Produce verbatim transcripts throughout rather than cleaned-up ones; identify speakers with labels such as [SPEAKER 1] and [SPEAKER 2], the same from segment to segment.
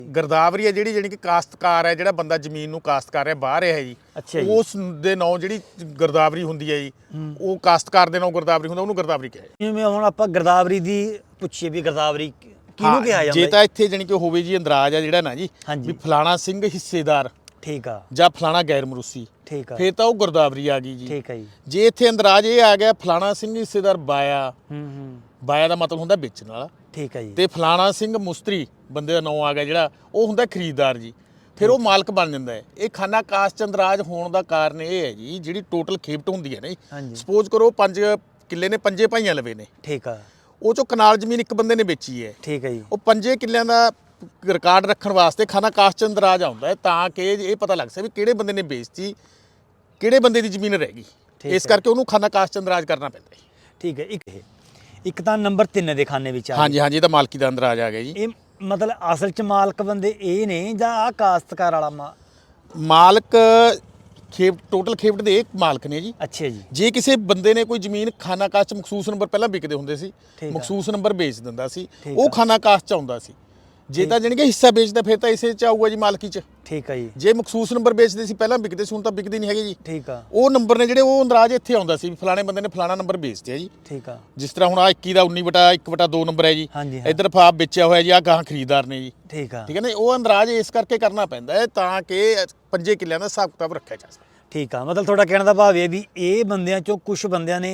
[SPEAKER 1] गिरदावरी है जिहड़ी कि काश्तकार है, जिहड़ा बंदा जमीन नूं काश्त कर रहा बाहर है जी,
[SPEAKER 2] अच्छा जी।
[SPEAKER 1] उस दे नाम जिहड़ी गिरदावरी हुंदी है जी, वो काश्तकार दे नाम गिरदावरी हुंदा, ਉਹਨੂੰ गिरदावरी कहे।
[SPEAKER 2] ਜਿਵੇਂ ਹੁਣ ਆਪਾਂ ਗਿਰਦਾਵਰੀ ਦੀ ਪੁੱਛੀਏ ਵੀ ਗਿਰਦਾਵਰੀ ਕਿਹਨੂੰ ਕਿਹਾ ਜਾਂਦਾ
[SPEAKER 1] ਜੇ ਤਾਂ ਇੱਥੇ ਜਾਣੀ ਕਿ ਹੋਵੇ ਜੀ ਅੰਦਰਾਜ ਆ ਜਿਹੜਾ ਨਾ ਜੀ
[SPEAKER 2] ਹਾਂਜੀ।
[SPEAKER 1] ਵੀ ਫਲਾਣਾ ਸਿੰਘ ਹਿੱਸੇਦਾਰ
[SPEAKER 2] ਠੀਕ ਆ
[SPEAKER 1] ਜਾਂ ਫਲਾਣਾ ਗੈਰ ਮਰੂਸੀ,
[SPEAKER 2] ਠੀਕ ਆ
[SPEAKER 1] ਫੇਰ ਤਾਂ ਉਹ गिरदावरी ਆ ਗਈ ਜੀ।
[SPEAKER 2] ਠੀਕ ਆ ਜੀ।
[SPEAKER 1] ਜੇ ਇੱਥੇ ਅੰਦਰਾਜ ਇਹ ਆ ਗਿਆ ਫਲਾਣਾ ਸਿੰਘ ਹਿੱਸੇਦਾਰ ਬਾਇਆ,
[SPEAKER 2] ਹੂੰ ਹੂੰ
[SPEAKER 1] ਬਾਇਆ ਦਾ ਮਤਲਬ ਹੁੰਦਾ ਵੇਚਣ ਵਾਲਾ,
[SPEAKER 2] ਠੀਕ ਆ ਜੀ।
[SPEAKER 1] ਤੇ ਫਲਾਣਾ ਸਿੰਘ ਮੁਸਤਰੀ ਬੰਦੇ ਦਾ ਨਾਮ ਆ ਗਿਆ ਜਿਹੜਾ, ਉਹ ਹੁੰਦਾ ਖਰੀਦਦਾਰ ਜੀ, ਫਿਰ ਉਹ ਮਾਲਕ ਬਣ ਜਾਂਦਾ ਹੈ। ਇਹ ਖਾਨਾ ਕਾਸ਼ ਚੰਦਰਾਜ ਹੋਣ ਦਾ ਕਾਰਨ ਇਹ ਹੈ ਜੀ, ਜਿਹੜੀ ਟੋਟਲ ਖੇਪਟ ਹੁੰਦੀ ਹੈ ਨਾ, ਸਪੋਜ਼ ਕਰੋ ਪੰਜ ਕਿੱਲੇ ਨੇ, ਪੰਜੇ ਭਾਈਆਂ ਲਵੇ ਨੇ,
[SPEAKER 2] ਠੀਕ ਆ,
[SPEAKER 1] ਉਹ ਚੋਂ ਕਨਾਲ ਜ਼ਮੀਨ ਇੱਕ ਬੰਦੇ ਨੇ ਵੇਚੀ ਹੈ,
[SPEAKER 2] ਠੀਕ ਹੈ ਜੀ।
[SPEAKER 1] ਉਹ ਪੰਜੇ ਕਿੱਲਿਆਂ ਦਾ ਰਿਕਾਰਡ ਰੱਖਣ ਵਾਸਤੇ ਖਾਨਾ ਕਾਸ਼ ਚੰਦਰਾਜ ਆਉਂਦਾ ਹੈ, ਤਾਂ ਕਿ ਇਹ ਪਤਾ ਲੱਗ ਸਕੇ ਵੀ ਕਿਹੜੇ ਬੰਦੇ ਨੇ ਵੇਚਤੀ, ਕਿਹੜੇ ਬੰਦੇ ਦੀ ਜ਼ਮੀਨ ਰਹਿ ਗਈ, ਇਸ ਕਰਕੇ ਉਹਨੂੰ ਖਾਨਾ ਕਾਸ਼ ਚੰਦਰਾਜ ਕਰਨਾ ਪੈਂਦਾ ਹੈ।
[SPEAKER 2] ਠੀਕ ਹੈ। ਇੱਕ ਇੱਕ ਤਾਂ ਨੰਬਰ ਤਿੰਨ ਦੇ ਖਾਨੇ ਵਿੱਚ ਆ
[SPEAKER 1] ਹਾਂਜੀ ਹਾਂਜੀ, ਇਹ ਤਾਂ ਮਾਲਕੀ ਦਾ ਅੰਦਰਾਜ ਆ ਗਿਆ ਜੀ।
[SPEAKER 2] ਇਹ ਮਤਲਬ ਅਸਲ ਚ ਮਾਲਕ ਬੰਦੇ ਇਹ ਨੇ ਜਾਂ ਆ ਕਾਸ਼ਤਕਾਰ ਵਾਲਾ ਮਾ
[SPEAKER 1] ਮਾਲਕ ਖੇਪ ਟੋਟਲ ਖੇਪਟ ਦੇ ਇੱਕ ਮਾਲਕ ਨੇ ਜੀ।
[SPEAKER 2] ਅੱਛਾ ਜੀ।
[SPEAKER 1] ਜੇ ਕਿਸੇ ਬੰਦੇ ਨੇ ਕੋਈ ਜ਼ਮੀਨ ਖਾਨਾ ਕਾਸ਼ ਚ ਮਖਸੂਸ ਨੰਬਰ ਪਹਿਲਾਂ ਵਿਕਦੇ ਹੁੰਦੇ ਸੀ, ਮਖਸੂਸ ਨੰਬਰ ਵੇਚ ਦਿੰਦਾ ਸੀ, ਉਹ ਖਾਨਾ ਕਾਸ਼ ਚ ਆਉਂਦਾ ਸੀ। ਜੇ ਤਾਂ ਜਾਣੀ ਕਿ ਹਿੱਸਾ ਵੇਚਦਾ ਫਿਰ ਤਾਂ ਇਸੇ ਚ ਆਊਗਾ ਜੀ ਮਾਲਕੀ ਚ।
[SPEAKER 2] ਠੀਕ ਹੈ ਜੀ।
[SPEAKER 1] ਜੇ ਮਖਸੂਸ ਨੰਬਰ ਵੇਚਦੇ ਸੀ ਪਹਿਲਾਂ ਵਿਕਦੇ ਸੀ, ਹੁਣ ਤਾਂ ਵਿਕਦੇ ਨਹੀਂ ਹੈਗੇ ਜੀ।
[SPEAKER 2] ਠੀਕ ਆ।
[SPEAKER 1] ਉਹ ਨੰਬਰ ਨੇ ਜਿਹੜੇ ਉਹ ਅੰਦਰਾਜ ਇੱਥੇ ਆਉਂਦਾ ਸੀ, ਫਲਾਣੇ ਬੰਦੇ ਨੇ ਫਲਾਣਾ ਨੰਬਰ ਵੇਚਦੇ ਆ ਜੀ।
[SPEAKER 2] ਠੀਕ ਆ।
[SPEAKER 1] ਜਿਸ ਤਰ੍ਹਾਂ ਹੁਣ ਆ ਇੱਕੀ ਦਾ ਉੱਨੀ ਵਟਾ ਇੱਕ ਵਟਾ ਦੋ ਨੰਬਰ ਹੈ ਜੀ, ਇੱਧਰ ਫਾਪ ਵੇਚਿਆ ਹੋਇਆ ਜੀ, ਆ ਗਾਹਾਂ ਖਰੀਦਦਾਰ ਨੇ ਜੀ।
[SPEAKER 2] ਠੀਕ ਆ।
[SPEAKER 1] ਠੀਕ ਹੈ ਨਾ, ਉਹ ਅੰਦਰਾਜ ਇਸ ਕਰਕੇ ਕਰਨਾ ਪੈਂਦਾ ਹੈ ਤਾਂ ਕਿ ਪੰਜੇ ਕਿੱਲਿਆਂ ਦਾ ਹਿਸਾਬ ਕਿਤਾਬ ਰੱਖਿਆ ਜਾ ਸਕੇ।
[SPEAKER 2] ਠੀਕ ਆ, ਮਤਲਬ ਤੁਹਾਡਾ ਕਹਿਣ ਦਾ ਭਾਵ ਇਹ ਵੀ ਇਹ ਬੰਦਿਆਂ ਚੋਂ ਕੁਝ ਬੰਦਿਆਂ ਨੇ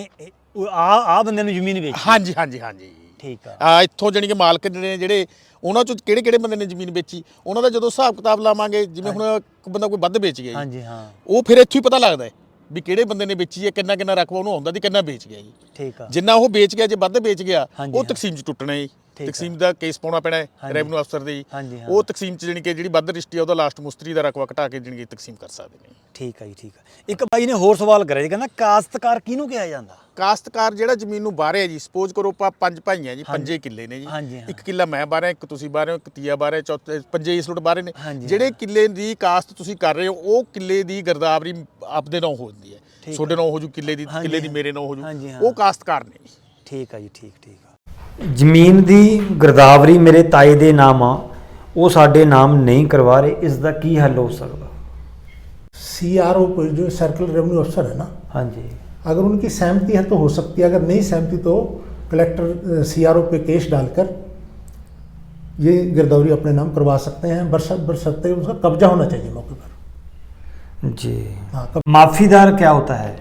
[SPEAKER 2] ਆ ਆ ਬੰਦਿਆਂ ਨੂੰ ਜ਼ਮੀਨ ਵੇਚੀ।
[SPEAKER 1] ਹਾਂਜੀ ਹਾਂਜੀ ਹਾਂਜੀ।
[SPEAKER 2] ਠੀਕ ਆ।
[SPEAKER 1] ਆ ਇੱਥੋਂ ਜਾਣੀ ਕਿ ਮਾਲਕ ਨੇ ਜਿਹੜੇ ਉਹਨਾਂ ਚੋਂ ਕਿਹੜੇ ਕਿਹੜੇ ਬੰਦੇ ਨੇ ਜ਼ਮੀਨ ਵੇਚੀ, ਉਹਨਾਂ ਦਾ ਜਦੋਂ ਹਿਸਾਬ ਕਿਤਾਬ ਲਾਵਾਂਗੇ, ਜਿਵੇਂ ਹੁਣ ਇੱਕ ਬੰਦਾ ਕੋਈ ਵੱਧ ਵੇਚ ਗਿਆ ਜੀ,
[SPEAKER 2] ਹਾਂਜੀ ਹਾਂ, ਉਹ
[SPEAKER 1] ਫਿਰ ਇੱਥੋਂ ਹੀ ਪਤਾ ਲੱਗਦਾ ਹੈ ਵੀ ਕਿਹੜੇ ਬੰਦੇ ਨੇ ਵੇਚੀ ਹੈ, ਕਿੰਨਾ ਕਿੰਨਾ ਰਕਬਾ ਉਹਨੂੰ ਆਉਂਦਾ ਦੀ, ਕਿੰਨਾ ਵੇਚ ਗਿਆ ਜੀ।
[SPEAKER 2] ਠੀਕ ਆ।
[SPEAKER 1] ਜਿੰਨਾ ਉਹ ਵੇਚ ਗਿਆ, ਜੇ ਵੱਧ ਵੇਚ ਗਿਆ ਉਹ ਤਕਸੀਮ 'ਚ ਟੁੱਟਣਾ ਜੀ। ਤਕਸੀਮ ਦਾ ਕੇਸ ਪਾਉਣਾ ਪੈਣਾ ਹੈ ਰੈਵਨਿਊ ਅਫਸਰ ਦੇ ਜੀ। ਉਹ ਤਕਸੀਮ 'ਚ ਜਾਣੀ ਕਿ ਜਿਹੜੀ ਵੱਧ ਰਜਿਸਟਰੀ ਆ ਉਹਦਾ ਲਾਸਟ ਮੁਸਤਰੀ ਦਾ ਰਕਬਾ ਘਟਾ ਕੇ ਜਾਣੀ ਕਿ ਤਕਸੀਮ ਕਰ ਸਕਦੇ ਨੇ।
[SPEAKER 2] ਠੀਕ ਆ ਜੀ। ਠੀਕ ਆ। ਇੱਕ ਬਾਈ ਨੇ ਹੋਰ ਸਵਾਲ ਕਰਿਆ ਜੀ, ਕਹਿੰਦਾ ਕਾਸ਼ਤਕਾਰ ਕਿਹਨੂੰ ਕਿਹਾ ਜਾਂਦਾ?
[SPEAKER 1] ਕਾਸ਼ਤਕਾਰ ਜਿਹੜਾ ਜ਼ਮੀਨ ਨੂੰ ਬਾਹਰ ਹੈ ਜੀ, ਸਪੋਜ਼ ਕਰੋ ਆਪਾਂ ਪੰਜ ਭਾਈ ਆ ਜੀ, ਪੰਜੇ ਕਿੱਲੇ ਨੇ ਜੀ, ਇੱਕ ਕਿੱਲਾ ਮੈਂ ਬਾਹਰ ਹੈ, ਇੱਕ ਤੁਸੀਂ ਬਾਹਰ ਹੋ, ਇੱਕ ਤੀਆ ਬਾਹਰ ਹੈ, ਚੌਥੇ ਪੰਜੇ ਇਸ ਲੋਟ ਬਾਹਰ ਨੇ। ਜਿਹੜੇ ਕਿੱਲੇ ਦੀ ਕਾਸ਼ਤ ਤੁਸੀਂ ਕਰ ਰਹੇ ਹੋ, ਉਹ ਕਿੱਲੇ ਦੀ ਗਿਰਦਾਵਰੀ ਆਪਦੇ ਨਾਂ ਹੋ ਜਾਂਦੀ ਹੈ, ਤੁਹਾਡੇ ਨਾਂ ਹੋ ਜੂ, ਕਿੱਲੇ ਦੀ ਕਿੱਲੇ ਦੀ ਮੇਰੇ ਨਾਂ ਹੋ ਜੂ, ਉਹ ਕਾਸ਼ਤਕਾਰ ਨੇ।
[SPEAKER 2] ਠੀਕ ਆ ਜੀ। ਠੀਕ ਠੀਕ ਆ। ਜ਼ਮੀਨ ਦੀ ਗਿਰਦਾਵਰੀ ਮੇਰੇ ਤਾਏ ਦੇ ਨਾਮ ਆ, ਉਹ ਸਾਡੇ ਨਾਮ ਨਹੀਂ ਕਰਵਾ ਰਹੇ, ਇਸ ਦਾ ਕੀ ਹੱਲ ਹੋ ਸਕਦਾ?
[SPEAKER 3] सी आर ओ जो सर्कल रेवेन्यू अफसर है ना,
[SPEAKER 2] हाँ जी,
[SPEAKER 3] अगर उनकी सहमति है तो हो सकती है, अगर नहीं सहमति तो कलेक्टर सी आर ओ पे केस डालकर ये गिरदावरी अपने नाम करवा सकते हैं, बरसत बरसते उसका कब्जा होना चाहिए मौके पर
[SPEAKER 2] जी।
[SPEAKER 3] हाँ।
[SPEAKER 2] माफीदार क्या होता है?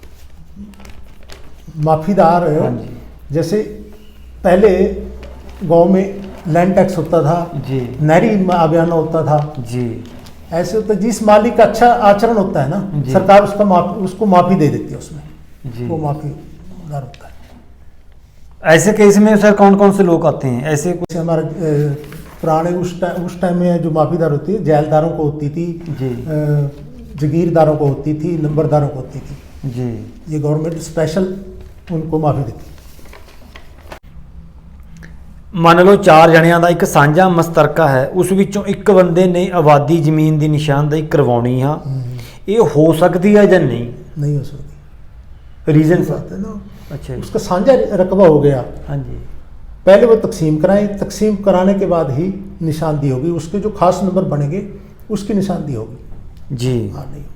[SPEAKER 3] माफीदार जैसे पहले गांव में लैंड टैक्स होता था
[SPEAKER 2] जी, नहरी
[SPEAKER 3] अभियान होता था जी, ऐसे होता है। जिस मालिक का अच्छा आचरण होता है ना, सरकार उसका माफी उसको माफी दे देती है उसमें जी, वो माफीदार होता है।
[SPEAKER 2] ऐसे केस में सर कौन कौन से लोग आते हैं? ऐसे कुछ
[SPEAKER 3] हमारे पुराने उस टाइम उस टाइम में जो माफीदार होती है, जेलदारों को होती थी जी, जगीरदारों को होती थी, नंबरदारों को होती थी जी। ये गवर्नमेंट स्पेशल उनको माफी देती।
[SPEAKER 2] ਮੰਨ ਲਓ ਚਾਰ ਜਣਿਆਂ ਦਾ ਇੱਕ ਸਾਂਝਾ ਮਸਤਰਕਾ ਹੈ, ਉਸ ਵਿੱਚੋਂ ਇੱਕ ਬੰਦੇ ਨੇ ਆਬਾਦੀ ਜ਼ਮੀਨ ਦੀ ਨਿਸ਼ਾਨਦੇਹੀ ਕਰਵਾਉਣੀ ਆ, ਇਹ ਹੋ ਸਕਦੀ ਹੈ ਜਾਂ नहीं?
[SPEAKER 3] नहीं हो सकती।
[SPEAKER 2] रीजन
[SPEAKER 3] बात है ना,
[SPEAKER 2] अच्छा,
[SPEAKER 3] उसका साझा रकबा हो गया,
[SPEAKER 2] हाँ जी,
[SPEAKER 3] पहले वो तकसीम कराएं, तकसीम कराने के बाद ही निशानदेही होगी, उसके जो खास नंबर बनेंगे उसकी निशानदेही होगी जी। हाँ नहीं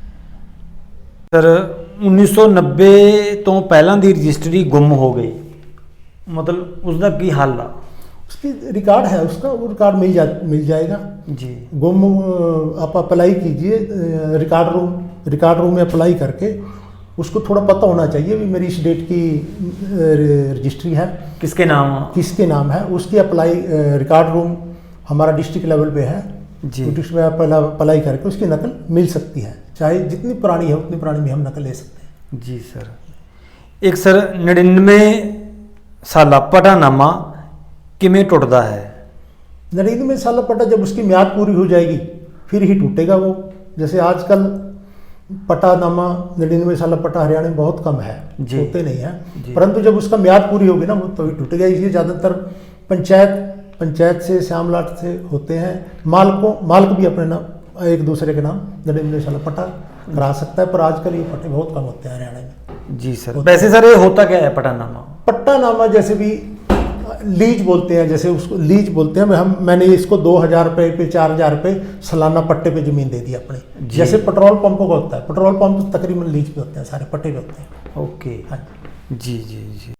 [SPEAKER 2] सर उन्नीस सौ नब्बे तो पहला दी रजिस्ट्री गुम हो गई, मतलब उसका की हल आ?
[SPEAKER 3] उसकी रिकॉर्ड है, उसका वो रिकॉर्ड मिल जा मिल जाएगा जी। गुम आप अप्लाई कीजिए रिकॉर्ड रूम, रिकॉर्ड रूम में अप्लाई करके उसको थोड़ा पता होना चाहिए भी मेरी इस डेट की रजिस्ट्री है,
[SPEAKER 2] किसके नाम
[SPEAKER 3] किसके नाम है, उसकी अप्लाई रिकॉर्ड रूम हमारा डिस्ट्रिक्ट लेवल पे है जी, डिस्ट्रिक्ट में अप्लाई करके उसकी नकल मिल सकती है, चाहे जितनी पुरानी है उतनी पुरानी भी हम नकल ले सकते हैं
[SPEAKER 2] जी। सर एक सर नड़िनवे साला पटानामा किमें टुटता है?
[SPEAKER 3] नड़िनवे साला पट्टा जब उसकी म्याद पूरी हो जाएगी फिर ही टूटेगा वो। जैसे आजकल पटानामा नड़िनवे साला पट्टा हरियाणा में बहुत कम है, होते नहीं है, परंतु जब उसका म्याद पूरी होगी ना वो तभी तो टूटेगा। इसलिए ज़्यादातर पंचायत पंचायत से श्यामलाट से होते हैं, मालकों मालिक भी अपने नाम एक दूसरे के नाम नड़िनवे साला पट्टा करा सकता है, पर आजकल ये पट्टे बहुत कम होते हैं हरियाणा में जी। सर वैसे सर ये होता क्या है पट्टानामा? पट्टानामा जैसे भी लीज बोलते हैं, जैसे उसको लीज बोलते हैं। हम मैंने इसको दो हज़ार रुपये पे चार हज़ार रुपये सालाना पट्टे पे ज़मीन दे दी अपने। जैसे पेट्रोल पंपों का होता है, पेट्रोल पंप तो तकरीबन लीज पे होते हैं, सारे पट्टे पे होते हैं।
[SPEAKER 2] ओके,
[SPEAKER 3] हाँ
[SPEAKER 2] जी जी जी।